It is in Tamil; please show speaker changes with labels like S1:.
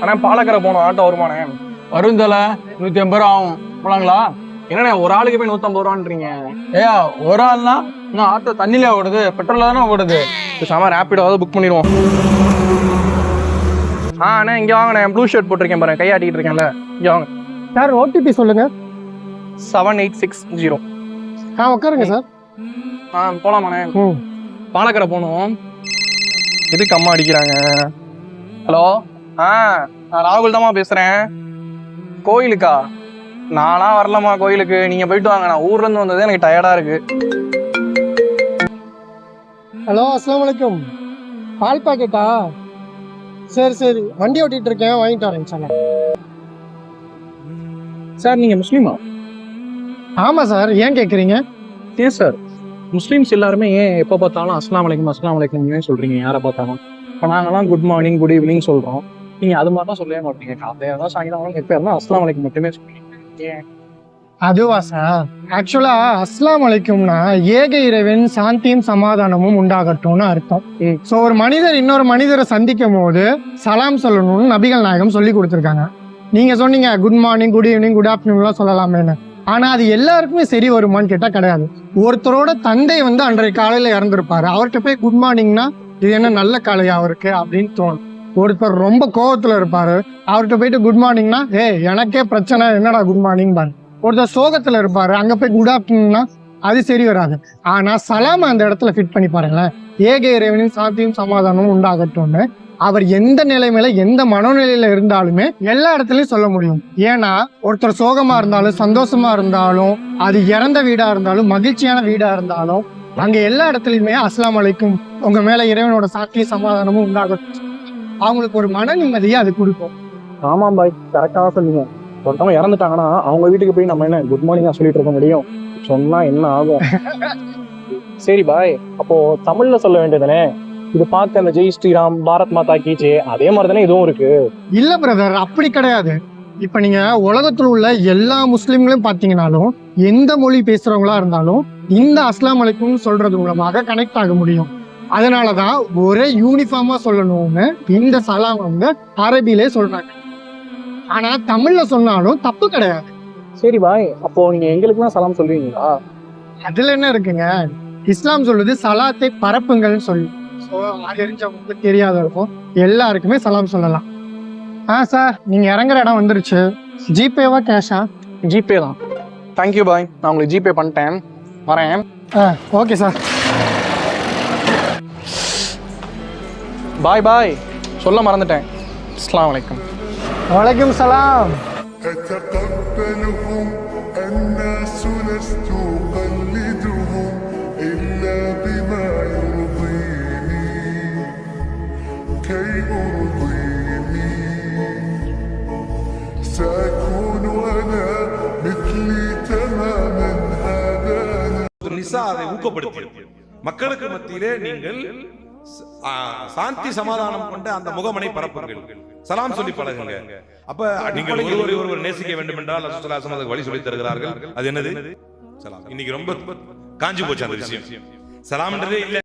S1: ஆனா பாலக்கரை போகணும், ஆட்டோ வருமானே?
S2: வரும் தல, 150 ரூபா ஆகும். போலாங்களா?
S1: என்னண்ணே ஒரு ஆளுக்கு போய் 150 ரூபான்றீங்க?
S2: ஏயா ஒரு ஆள்னா இன்னும் ஆட்டோ தண்ணியில ஓடுது, பெட்ரோல்ல தானே ஓடுது.
S1: பேசாம ரேப்பிடாவது புக் பண்ணிடுவோம். அண்ணே இங்க வாங்கண்ணே, ப்ளூ ஷர்ட் போட்டிருக்கேன் பாருங்க, கையாட்டிட்டு இருக்கேன்ல, இங்க வாங்க.
S3: சார் ஓடிபி சொல்லுங்க.
S1: 7860.
S3: உட்காருங்க சார்.
S1: போலாமாண்ணே? பாலக்கரை போகணும். எதுக்கு அம்மா அடிக்கிறாங்க? ஹலோ, நான் ராகுல் தாம்மா பேசுறேன். கோயிலுக்கா? நானா வரலாமா கோயிலுக்கு? நீங்க போயிட்டு வாங்க, நான் ஊர்ல இருந்து வந்ததே எனக்கு டயர்டா இருக்கு.
S3: ஹலோ, அஸ்ஸலாமு அலைக்கும். பால் பாக்கெட்டா? சரி சரி, வண்டி ஓட்டிட்டு இருக்கேன், வாங்கிட்டு வரேன் சார்.
S1: சார் நீங்க முஸ்லீமா?
S3: ஆமாம் சார், ஏன் கேட்குறீங்க?
S1: ஏன் சார் முஸ்லீம்ஸ் எல்லாருமே ஏன் எப்போ பார்த்தாலும் அஸ்லாம் வலைக்கும் சொல்றீங்க யாரை பார்த்தாலும்? இப்போ நாங்கெல்லாம் குட் மார்னிங் குட் ஈவினிங் சொல்றோம், நீங்க அது மாதிரி தான் சொல்லவே மாட்டீங்க. காலையில தான் சாயங்காலம் எப்போ இருந்தாலும் அஸ்லாம் வலைக்கும் மட்டுமே சொல்றீங்க.
S3: அதுவா சார், ஆக்சுவலா அஸ்ஸலாமு அலைக்கும்னா ஏக இறைவன் சாந்தியும் சமாதானமும் உண்டாகட்டும்னு அர்த்தம். ஸோ ஒரு மனிதர் இன்னொரு மனிதரை சந்திக்கும் போது சலாம் சொல்லணும்னு நபிகள் நாயகம் சொல்லி கொடுத்துருக்காங்க. நீங்க சொன்னீங்க good morning good evening good ஆஃப்டர்நூன்லாம் சொல்லலாமேன்னு. ஆனா அது எல்லாருக்குமே சரி வருமானு கேட்டா கிடையாது. ஒருத்தரோட தந்தை அன்றைய காலையில இறந்துருப்பாரு, அவர்கிட்ட போய் குட் மார்னிங்னா இது என்ன நல்ல காலையா அவருக்கு அப்படின்னு தோணும். ஒருத்தர் ரொம்ப கோவத்துல இருப்பாரு, அவர்கிட்ட போயிட்டு குட் மார்னிங்னா எனக்கே பிரச்சனை, என்னடா குட் மார்னிங் பாரு. ஒருத்தர் சோகத்துல இருப்பாரு, அங்க போய் குட் ஆஃப்டர்நூன்னா அது சரி வராது. ஆனா சலாம அந்த இடத்துல ஃபிட் பண்ணி பாருங்களேன். ஏக இறைவனின் சாந்தியும் சமாதானமும் உண்டாகட்டும்னு அவர் எந்த நிலைமையில எந்த மனோநிலையில இருந்தாலுமே எல்லா இடத்துலயும் சொல்ல முடியும். ஏன்னா ஒருத்தர் சோகமா இருந்தாலும் சந்தோஷமா இருந்தாலும், அது இறந்த வீடா இருந்தாலும் மகிழ்ச்சியான வீடா இருந்தாலும், அங்க எல்லா இடத்துலயுமே அஸ்ஸலாமு அலைக்கும், உங்க மேல இறைவனோட சாந்தியும் சமாதானமும் உண்டாகட்டும், அவங்களுக்கு ஒரு மன நிம்மதியை அது கொடுக்கும்.
S1: ஆமாம் பாய், கரெக்டாக சொன்னீங்க. ஒருத்தவங்க இறந்துட்டாங்கன்னா அவங்க வீட்டுக்கு போய் நம்ம என்ன குட் மார்னிங்கா சொல்லிட்டு இருக்க முடியும்? சொன்னா என்ன ஆகும்? சரி பாய், அப்போ தமிழ்ல சொல்ல வேண்டியதுனே. இது பார்த்து அந்த ஜெய் ஸ்ரீராம் பாரத் மாதா கீச்சே அதே மாதிரி தானே இதுவும் இருக்கு?
S3: இல்ல பிரதர், அப்படி கிடையாது. இப்ப நீங்க உலகத்துல உள்ள எல்லா முஸ்லிம்களையும் பாத்தீங்கன்னாலும் எந்த மொழி பேசுறவங்களா இருந்தாலும் இந்த அஸ்லாம் அலைக்கும் சொல்றது மூலமாக கனெக்ட் ஆக முடியும். அதனாலதான் ஒரே யூனிஃபார்மா சொல்லணும்னு இந்த சலாம் அரபிலே சொல்றாங்க. ஆனா தமிழ்ல சொன்னாலும் தப்பு கிடையாது.
S1: சரி பாய், அப்போ நீங்க எங்களுக்குலாம் சலாம் சொல்றீங்களா?
S3: அதுல என்ன இருக்குங்க, இஸ்லாம் சொல்லுது சலாத்தை பரப்புங்கள்னு சொல்லி. அது தெரிஞ்சவங்களுக்கு தெரியாத இருக்கும், எல்லாருக்குமே சலாம் சொல்லலாம். சார், நீங்க இறங்குற இடம் வந்துருச்சு. ஜிபேவா கேஷா?
S1: ஜிபே தான். தேங்க்யூ பாய், நான் உங்களுக்கு ஜிபே பண்ணிட்டேன், வரேன்.
S3: Okay sir.
S1: பாய் பாய், சொல்ல மறந்துட்டேன். அஸ்ஸலாமு அலைக்கும்.
S3: வலைக்கும் சலாம்.
S4: أتقبلهم الناس لست أقلدهم إلا بما يرضيني كي أرضيني سأكون أنا مثلي تماما هذا
S5: நிசா அதை ஊக்கப்படுத்தியது. மக்களுக்கு மத்தியிலே நீங்கள் சாந்தி சமாதானம் கொண்ட அந்த முகமனை பரப்புங்கள், சலாம் சொல்லி பழகுங்க. அப்ப நீங்கள் ஒருவர் நேசிக்க வேண்டும் என்றால் அதுக்கு வழி சொல்லி தருகிறார்கள். அது என்னது? சலாம். இன்னைக்கு ரொம்ப காஞ்சி போச்சு அந்த விஷயம். சலாம்ன்றதே இல்ல.